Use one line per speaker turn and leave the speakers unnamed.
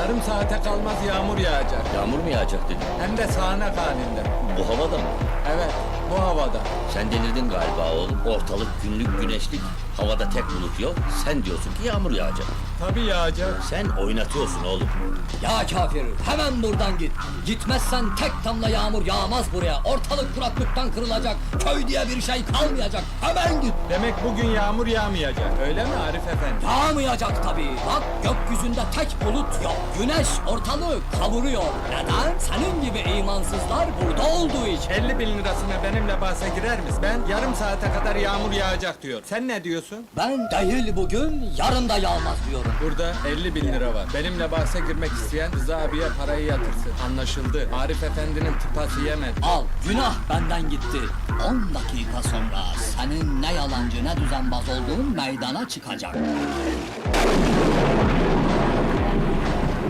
Yarım saate kalmaz yağmur yağacak.
Yağmur mu yağacak dedin?
Hem de sağanak halinde.
Bu havada mı?
Evet, bu havada.
Sen delirdin galiba oğlum. Ortalık günlük güneşlik. Havada tek bulut yok. Sen diyorsun ki yağmur yağacak.
Tabii yağacak.
Sen oynatıyorsun oğlum.
Ya kafir, hemen buradan git. Gitmezsen tek damla yağmur yağmaz buraya. Ortalık kuraklıktan kırılacak. Köy diye bir şey kalmayacak. Hemen git.
Demek bugün yağmur yağmayacak, öyle mi Arif Efendi?
Yağmayacak tabii. Bak gökyüzünde tek bulut yok. Güneş ortalığı kavuruyor. Neden? Senin gibi imansızlar burada olduğu için.
50 bin lirasına benimle bahse girer misin? Ben yarım saate kadar yağmur yağacak diyor. Sen ne diyorsun?
Ben değil bugün, yarın da yağmaz diyorum.
Burada 50 bin lira var. Benimle bahse girmek isteyen Rıza abiye parayı yatırsın. Anlaşıldı. Arif Efendi'nin tıpası yemedi.
Al, günah benden gitti. 10 dakika sonra senin ne yalancı ne düzenbaz olduğun meydana çıkacak.